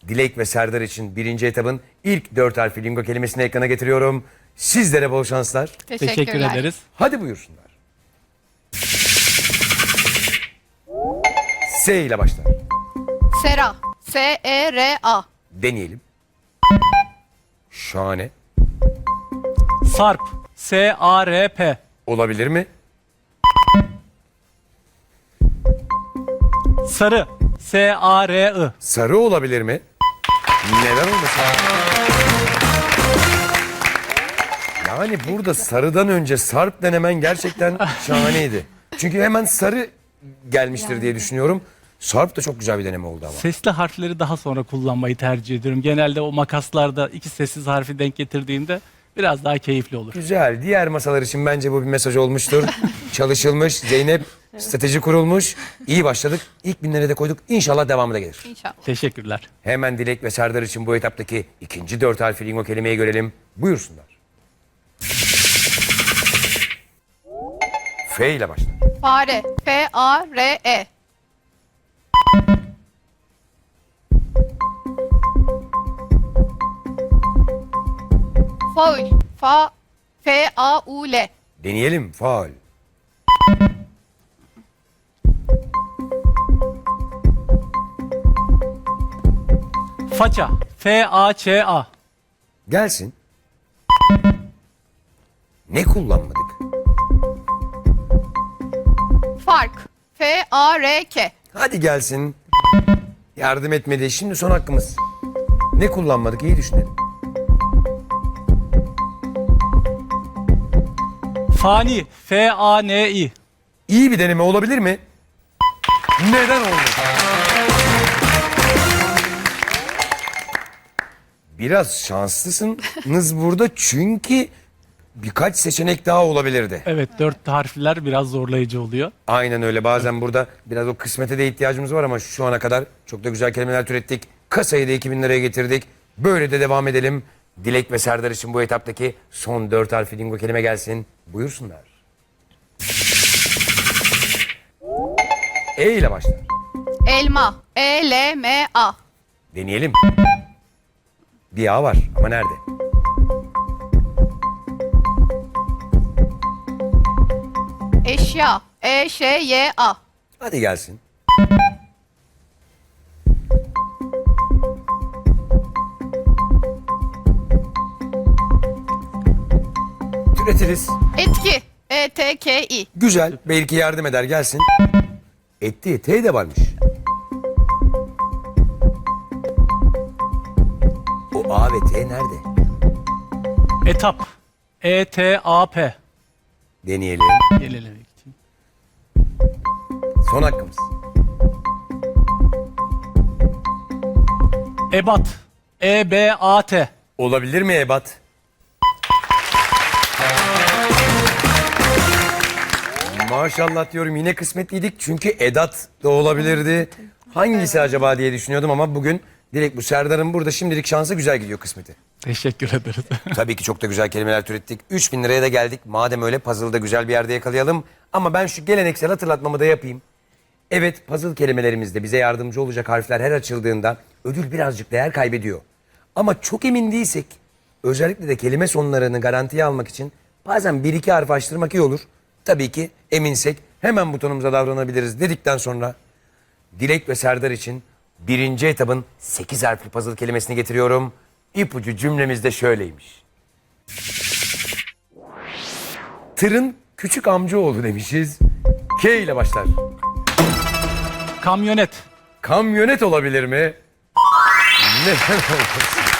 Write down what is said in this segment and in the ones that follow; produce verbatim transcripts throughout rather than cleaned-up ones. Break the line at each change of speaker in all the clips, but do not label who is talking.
Dilek ve Serdar için birinci etabın ilk dört harfli lingo kelimesini ekrana getiriyorum. Sizlere bol şanslar.
Teşekkür ederiz.
Hadi buyursunlar. S ile başlar.
Sera. S E R A.
Deneyelim. Şahane.
Sarp. S A R P.
Olabilir mi?
Sarı. S A R I.
Sarı olabilir mi? Neden olmasın? Yani burada sarıdan önce sarp denemen gerçekten şahaneydi. Çünkü hemen sarı gelmiştir diye düşünüyorum. Sarp da çok güzel bir deneme oldu ama.
Sesli harfleri daha sonra kullanmayı tercih ediyorum. Genelde o makaslarda iki sessiz harfi denk getirdiğimde biraz daha keyifli olur.
Güzel. Diğer masalar için bence bu bir mesaj olmuştur. Çalışılmış. Zeynep, strateji kurulmuş. İyi başladık. İlk binlere de koyduk. İnşallah devamı da gelir.
İnşallah.
Teşekkürler.
Hemen Dilek ve Serdar için bu etaptaki ikinci dört harfli lingo kelimeyi görelim. Buyursunlar. F ile başlar.
Fare. F A R E. Faul. Fa F A U L.
Deneyelim. Faul.
Faça. F A Ç A.
Gelsin. Ne kullanmadık?
Fark. F A R K.
Hadi gelsin. Yardım etmedi. Şimdi son hakkımız. Ne kullanmadık? İyi düşünelim.
Fani. F A N I.
İyi bir deneme olabilir mi? Neden oldu? Biraz şanslısınız burada çünkü birkaç seçenek daha olabilirdi.
Evet, dört harfler biraz zorlayıcı oluyor.
Aynen öyle. Bazen burada biraz o kısmete de ihtiyacımız var ama şu ana kadar çok da güzel kelimeler türettik. Kasayı da iki bin liraya getirdik. Böyle de devam edelim. Dilek ve Serdar için bu etaptaki son dört harfli lingo kelime gelsin. Buyursunlar. E ile başlar.
Elma. E L M A.
Deneyelim. Bir A var ama nerede?
Eşya. E Ş Y A.
Hadi gelsin. Türetiriz.
Etki. E T K I.
Güzel. Belki yardım eder gelsin. Etti. T de varmış. O A ve T nerede?
Etap. E T A P.
Deneyelim.
Gelelim.
Son hakkımız.
Ebat. E B A T.
Olabilir mi ebat? Maşallah diyorum, yine kısmetliydik çünkü edat da olabilirdi. Hangisi acaba diye düşünüyordum ama bugün direkt bu Serdar'ın burada şimdilik şansı güzel gidiyor kısmeti.
Teşekkür ederiz.
Tabii ki çok da güzel kelimeler türettik. üç bin liraya da geldik. Madem öyle puzzle'da güzel bir yerde yakalayalım. Ama ben şu geleneksel hatırlatmamı da yapayım. Evet, puzzle kelimelerimizde bize yardımcı olacak harfler her açıldığında ödül birazcık değer kaybediyor. Ama çok emin değilsek, özellikle de kelime sonlarını garantiye almak için bazen bir iki harf açtırmak iyi olur. Tabii ki eminsek hemen butonumuza davranabiliriz dedikten sonra Dilek ve Serdar için birinci etabın sekiz harfli puzzle kelimesini getiriyorum. İpucu cümlemiz de şöyleymiş. Tırın küçük amcaoğlu demişiz. K ile başlar.
Kamyonet.
Kamyonet olabilir mi? Neden olmasın?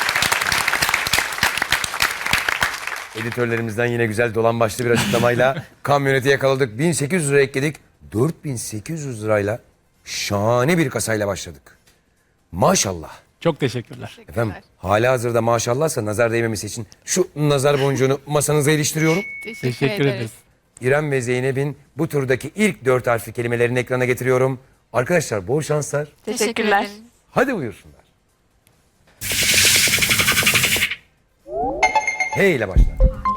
Editörlerimizden yine güzel dolan başlı bir açıklamayla kamyoneti yakaladık. bin sekiz yüz lira ekledik. dört bin sekiz yüz lirayla şahane bir kasayla başladık. Maşallah.
Çok teşekkürler.
Efendim, hala hazırda maşallahsa nazar değmemesi için şu nazar boncuğunu masanıza iliştiriyorum.
Teşekkür,
Teşekkür
ederiz.
ederiz.
İrem ve Zeynep'in bu turdaki ilk dört harfli kelimelerini ekrana getiriyorum. Arkadaşlar bol şanslar.
Teşekkürler.
Hadi buyursunlar. H ile başlar.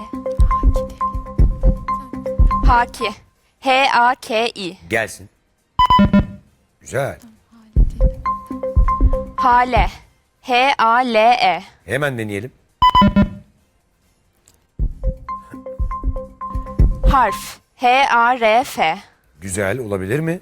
Haki. H A K I.
Gelsin. Güzel.
Hale. H A L E.
Hemen deneyelim.
Harf. H A R F.
Güzel, olabilir mi?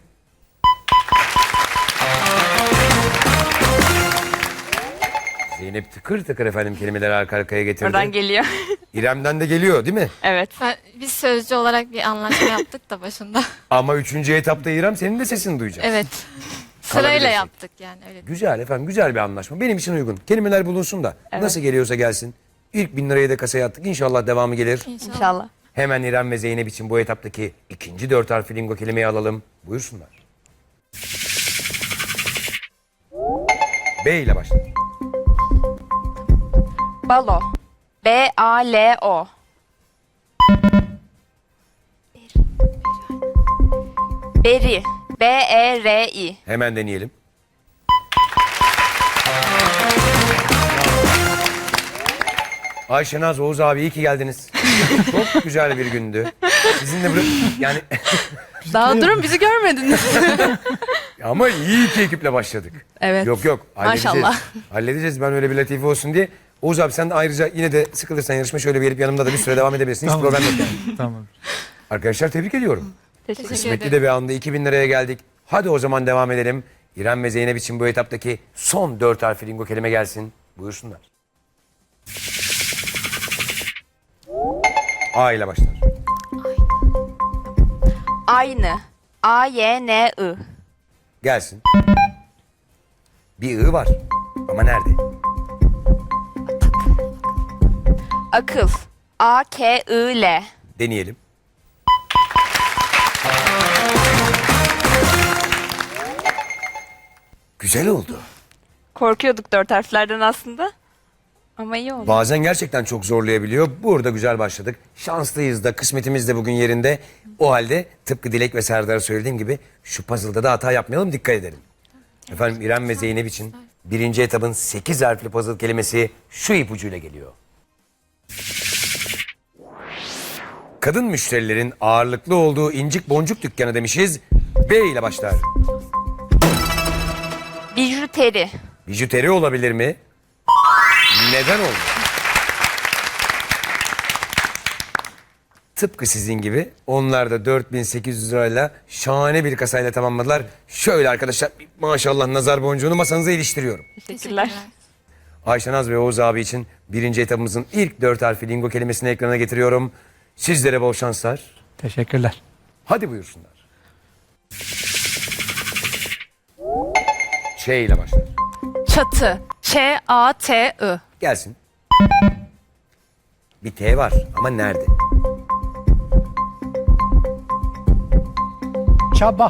Zeynep tıkır tıkır efendim kelimeleri arka arkaya getirdi.
Oradan geliyor.
İrem'den de geliyor değil mi?
Evet.
Ben- Biz sözcü olarak bir anlaşma yaptık da başında.
Ama üçüncü etapta İrem senin de sesini duyacak.
Evet. Sırayla
Kalabilirsek.
yaptık yani öyle.
Güzel efendim, güzel bir anlaşma. Benim için uygun. Kelimeler bulunsun da nasıl geliyorsa gelsin. İlk bin lirayı da kasaya attık. İnşallah devamı gelir.
İnşallah.
İnşallah.
Hemen İrem ve Zeynep için bu etaptaki ikinci dört harfli lingo kelimeyi alalım. Buyursunlar. B ile başlar.
Balo. B A L O. Beri. B E R I.
Hemen deneyelim. Ayşe Naz, Oğuz abi iyi ki geldiniz. Çok güzel bir gündü. Sizinle böyle yani
Daha durun bizi görmediniz.
ama iyi iki ekiple başladık.
Evet.
Yok yok halledeceğiz.
Maşallah.
Halledeceğiz, ben öyle bir latife olsun diye. Oğuz abi sen de ayrıca yine de sıkılırsan yarışma şöyle bir gelip yanımda da bir süre devam edebilirsin. Hiç problem yok yani.
Tamam.
Arkadaşlar tebrik ediyorum.
Teşekkür
Kısmetli
ederim.
de bir anda iki bin liraya geldik. Hadi o zaman devam edelim. İrem ve Zeynep için bu etaptaki son dört harfli lingo kelime gelsin. Buyursunlar. A ile başlar.
Aynı. A Y N I.
Gelsin. Bir I var. Ama nerede?
Akıl. A K I L.
Deneyelim. Güzel oldu.
Korkuyorduk dört harflerden aslında. Ama iyi oldu.
Bazen gerçekten çok zorlayabiliyor. Burada güzel başladık. Şanslıyız da, kısmetimiz de bugün yerinde. O halde tıpkı Dilek ve Serdar'a söylediğim gibi şu puzzle'da da hata yapmayalım, dikkat edelim. Efendim İrem ve Zeynep için birinci etabın sekiz harfli puzzle kelimesi şu ipucuyla geliyor. Kadın müşterilerin ağırlıklı olduğu incik boncuk dükkanı demişiz. B ile başlar.
Bijuteri.
Bijuteri olabilir mi? Neden oldu? Tıpkı sizin gibi onlar da dört bin sekiz yüz lirayla şahane bir kasayla tamamladılar. Şöyle arkadaşlar maşallah nazar boncuğunu masanıza iliştiriyorum.
Teşekkürler.
Ayşe Naz ve Oğuz abi için birinci etabımızın ilk dört harfli lingo kelimesini ekrana getiriyorum. Sizlere bol şanslar.
Teşekkürler.
Hadi buyursunlar. Ç ile başlar.
Çatı. Ç A T I.
Gelsin. Bir T var ama nerede?
Çaba.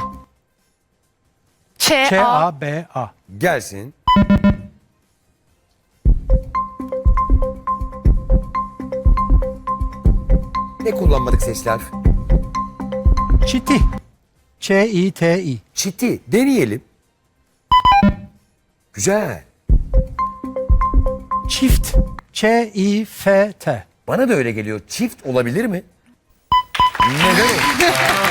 Ç
Ç
A
A B A.
Gelsin. Ne kullanmadık sesli harf?
Çiti. Ç İ T İ.
Çiti. Deneyelim. Güzel.
Çift. Ç İ F T.
Bana da öyle geliyor. Çift olabilir mi? Neden o?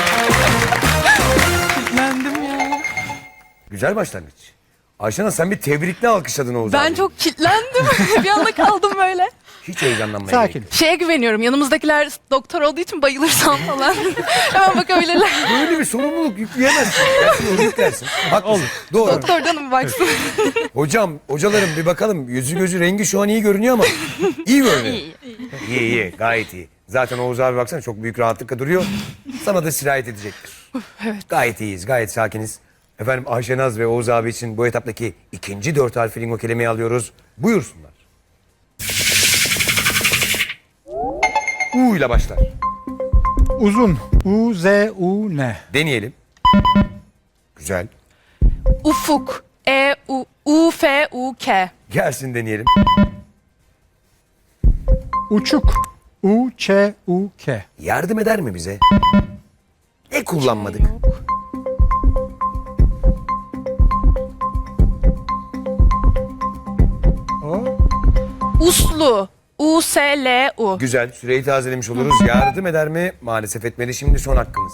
Kitlendim ya.
Güzel başlangıç. Ayşenaz sen bir tebrikle alkışladın Oğuz
Ben
abi.
çok kitlendim. Bir anda kaldım böyle.
Hiç heyecanlanmaya
Sakin.
gerek yok.
Şeye güveniyorum. Yanımızdakiler doktor olduğu için bayılırsam falan. Hemen bakabilirler.
Böyle bir sorumluluk yükleyemezsin. Dersin, onu yüklersin. Haklısın. Doğru.
Doktordan mı baksın?
Hocam, hocalarım bir bakalım. Yüzü gözü rengi şu an iyi görünüyor ama iyi görünüyor. İyi, iyi. iyi, gayet iyi. Zaten Oğuz abi baksana çok büyük rahatlıkla duruyor. Sana da sirayet edecektir. Evet. Gayet iyiyiz, gayet sakiniz. Efendim Ayşe Naz ve Oğuz abi için bu etaptaki ikinci dört harfli lingo kelimeyi alıyoruz. Buyursunlar. U ile başlar.
Uzun. U Z U N.
Deneyelim. Güzel.
Ufuk. E U U F U K.
Gelsin deneyelim.
Uçuk. U Ç U K.
Yardım eder mi bize? Ne kullanmadık?
O.
Uslu. U S L U.
Güzel. Süreyi tazelemiş oluruz. Yardım eder mi? Maalesef etmedi. Şimdi son hakkımız.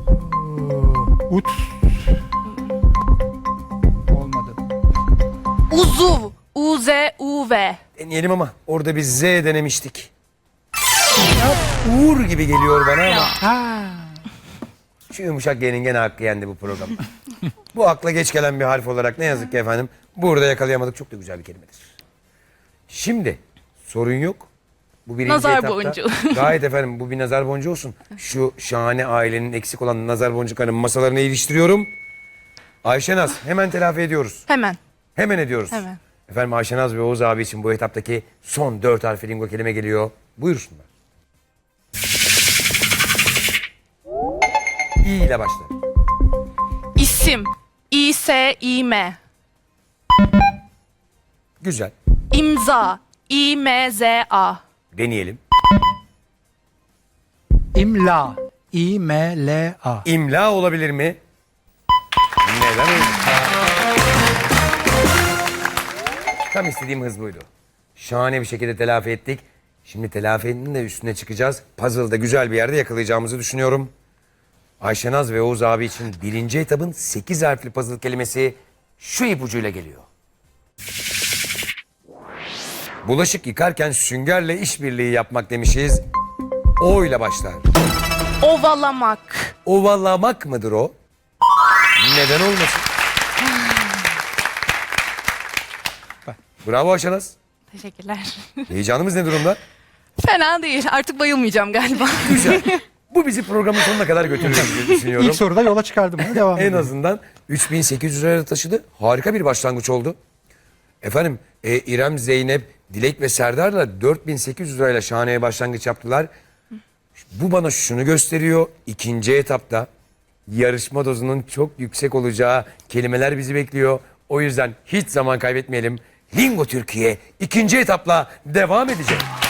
Ut. Olmadı.
Uzuv. U Z U V.
Deneyelim ama orada bir Z denemiştik. Ya, Uğur gibi geliyor bana ama.
Ha.
Şu yumuşak G'nin gene hakkı yendi bu programda. Bu akla geç gelen bir harf olarak ne yazık ki efendim burada yakalayamadık. Çok da güzel bir kelimedir. Şimdi sorun yok. Bu birinci
Nazar
etapta.
boncuğu.
Gayet efendim bu bir nazar boncuğu olsun. Şu şahane ailenin eksik olan nazar boncuklarının masalarına iliştiriyorum. Ayşenaz hemen telafi ediyoruz.
Hemen.
Hemen ediyoruz.
Hemen.
Efendim Ayşenaz ve Oğuz abi için bu etaptaki son dört harfli lingo kelime geliyor. Buyursunlar. İ ile başlar.
İsim. İ S İ M.
Güzel.
İmza. İ M Z A.
Deneyelim.
İmla. İ M L A.
İmla olabilir mi? Neden öyle? Tam istediğim hız buydu. Şahane bir şekilde telafi ettik. Şimdi telafinin de üstüne çıkacağız. Puzzle'da güzel bir yerde yakalayacağımızı düşünüyorum. Ayşenaz ve Oğuz abi için birinci etapın sekiz harfli puzzle kelimesi şu ipucuyla geliyor. Bulaşık yıkarken süngerle işbirliği yapmak demişiz. O ile başlar.
Ovalamak.
Ovalamak mıdır o? Neden olmasın? Bravo Ayşenaz.
Teşekkürler.
Heyecanımız ne durumda?
Fena değil. Artık bayılmayacağım galiba.
Güzel. Bu bizi programın sonuna kadar götürür diye düşünüyorum.
İlk soruda yola çıkardım. Bunu devam
En
edelim.
azından üç bin sekiz yüz liraya taşıdı. Harika bir başlangıç oldu. Efendim e, İrem, Zeynep, Dilek ve Serdar'la dört bin sekiz yüz lirayla şahane başlangıç yaptılar. Bu bana şunu gösteriyor. İkinci etapta yarışma dozunun çok yüksek olacağı kelimeler bizi bekliyor. O yüzden hiç zaman kaybetmeyelim. Lingo Türkiye ikinci etapla devam edecek.